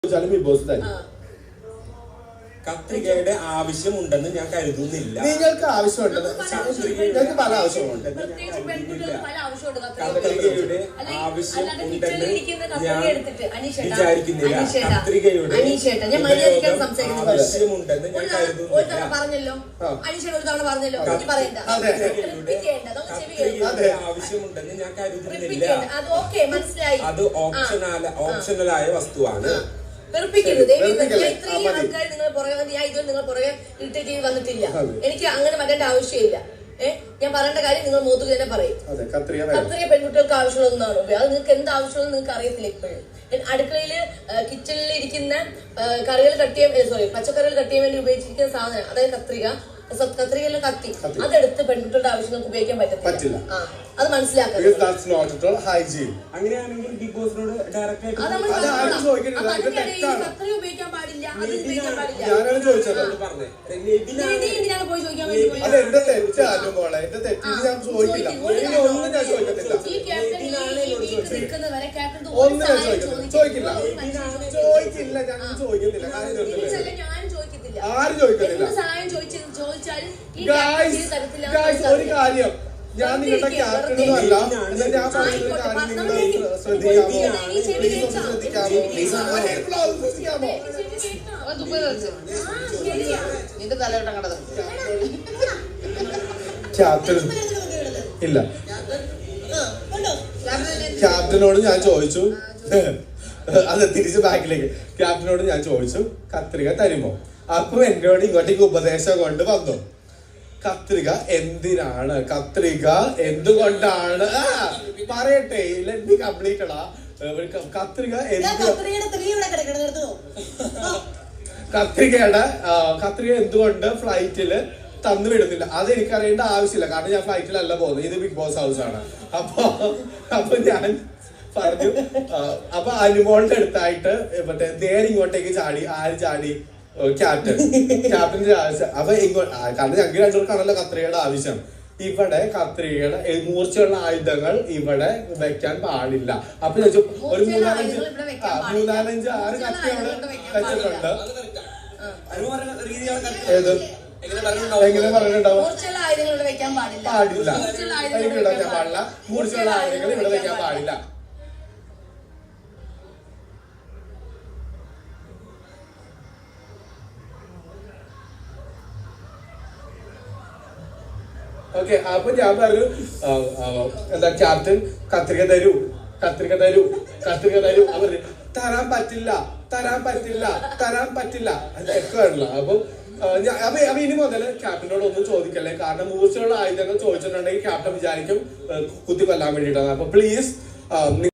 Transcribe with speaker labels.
Speaker 1: Big boss തന്നെ
Speaker 2: കത്രികയുടെ ആവശ്യമുണ്ടെന്ന് ഞാൻ കരുതുന്നില്ല.
Speaker 1: നിങ്ങൾക്ക് ആവശ്യമുണ്ടെന്ന് നിങ്ങൾക്ക് പല ആവശ്യമുണ്ട്.
Speaker 2: കത്രികയുടെ ആവശ്യമുണ്ടെന്ന് ഞാൻ വിചാരിക്കുന്നില്ല. കത്രികയുടെ ആവശ്യമുണ്ടെന്ന് ഞാൻ കരുതുന്നില്ല. കത്രികയുടെ ആവശ്യമുണ്ടെന്ന് ഞാൻ കരുതുന്നില്ല. അത് ഓപ്ഷണലായ വസ്തുവാണ്.
Speaker 3: എനിക്ക് അങ്ങനെ വരേണ്ട ആവശ്യമില്ല. ഞാൻ പറയേണ്ട കാര്യം നിങ്ങൾ മൂത്തുക തന്നെ പറയും. കത്രിക പെൺകുട്ടികൾക്ക് ആവശ്യമുള്ളതാണ്. അത് നിങ്ങൾക്ക് എന്ത് ആവശ്യമുള്ള നിങ്ങൾക്ക് അറിയത്തില്ല. ഇപ്പോഴും അടുക്കളയില് കിച്ചണിൽ ഇരിക്കുന്ന കറികൾ കട്ട് ചെയ്യാൻ പച്ചക്കറികൾ കട്ട് ചെയ്യാൻ വേണ്ടി ഉപയോഗിച്ചിരിക്കുന്ന സാധനം, അതായത് കത്രികയിലെ കത്തി, അതെടുത്ത് പെൺകുട്ടികളുടെ ആവശ്യങ്ങൾക്ക് ഉപയോഗിക്കാൻ പറ്റില്ല. അത് മനസ്സിലാക്കാം.
Speaker 2: അങ്ങനെയാണെങ്കിൽ ബിഗ് ബോസിനോട് ഡയറക്റ്റ് ആയിട്ട്
Speaker 3: കത്രിക ഉപയോഗിക്കാൻ പാടില്ല, അത് ഉപയോഗിക്കാൻ പാടില്ല. എന്തിനാണ് പോയി ചോദിക്കാൻ വേണ്ടി? ഈ ക്യാപ്റ്റൻ നിൽക്കുന്നവരെ ക്യാപ്റ്റൻ സഹായം ചോദിച്ചാൽ
Speaker 1: ഒരു കാര്യം, ഞാൻ നിങ്ങളുടെ ക്യാപ്റ്റനൊന്നും അല്ല. ഞാൻ പറയുന്ന കാര്യം നിങ്ങൾ ശ്രദ്ധിക്കാമോ? ക്യാപ്റ്റൻ ഇല്ല. ക്യാപ്റ്റനോട് ഞാൻ ചോദിച്ചു, അത് തിരിച്ച് ബാക്കിലേക്ക്, ക്യാപ്റ്റനോട് ഞാൻ ചോദിച്ചു കത്രിക തരുമോ? അപ്പൊ എന്നോട് ഇങ്ങോട്ടേക്ക് ഉപദേശം കൊണ്ട് വന്നു. കത്രിക എന്തിനാണ്, കത്രിക എന്തുകൊണ്ടാണ്, പറയട്ടെ, ലെറ്റ് കംപ്ലീറ്റ് അടാ. കത്രിക കത്രിക എന്തുകൊണ്ട് ഫ്ലൈറ്റില് തന്നു വിടുന്നില്ല? അത് എനിക്കറിയേണ്ട ആവശ്യമില്ല, കാരണം ഞാൻ ഫ്ലൈറ്റിലല്ല പോകുന്നത്. ഇത് ബിഗ് ബോസ് ഹൗസ് ആണ്. അപ്പൊ ഞാൻ പറഞ്ഞു, അപ്പൊ അനുമോളുടെ അടുത്തായിട്ട് മറ്റേ നേരെ ഇങ്ങോട്ടേക്ക് ചാടി. ആര് ചാടി? ക്യാപ്റ്റന്റെ ആവശ്യം. അപ്പൊ കാരണം ഞങ്ങൾക്ക് രണ്ടുപേർക്കാണല്ലോ കത്രികയുടെ ആവശ്യം. ഇവിടെ കത്രികയുടെ മൂർച്ചയുള്ള ആയുധങ്ങൾ ഇവിടെ വെക്കാൻ പാടില്ല. അപ്പൊ ചോദിച്ചു, ഒരു മൂന്നാലഞ്ച് 6 കത്തി അവിടെ വെച്ചിട്ടുണ്ട്. ഏത് എങ്ങനെ പറഞ്ഞിട്ടുണ്ടാവും? പാടില്ല, എനിക്ക് വെക്കാൻ പാടില്ല. മൂർച്ചയുള്ള ആയുധങ്ങൾ ഇവിടെ വെക്കാൻ പാടില്ല. ഓക്കെ, അപ്പൊ ഞാൻ പറഞ്ഞു, എന്താ ക്യാപ്റ്റൻ കത്രിക തരൂ, കത്രിക തരൂ, കത്രിക തരൂ. അവർ തരാൻ പറ്റില്ല, തരാൻ പറ്റില്ല, തരാൻ പറ്റില്ല. അതൊക്കെയാണല്ലോ. അപ്പൊ ഇനി മുതൽ ക്യാപ്റ്റനോട് ഒന്നും ചോദിക്കല്ലേ, കാരണം മൂർച്ചയുള്ള ആയുധങ്ങൾ ചോദിച്ചിട്ടുണ്ടെങ്കിൽ ക്യാപ്റ്റൻ വിചാരിക്കും കുത്തി കൊല്ലാൻ വേണ്ടിയിട്ടാണ്. അപ്പൊ പ്ലീസ്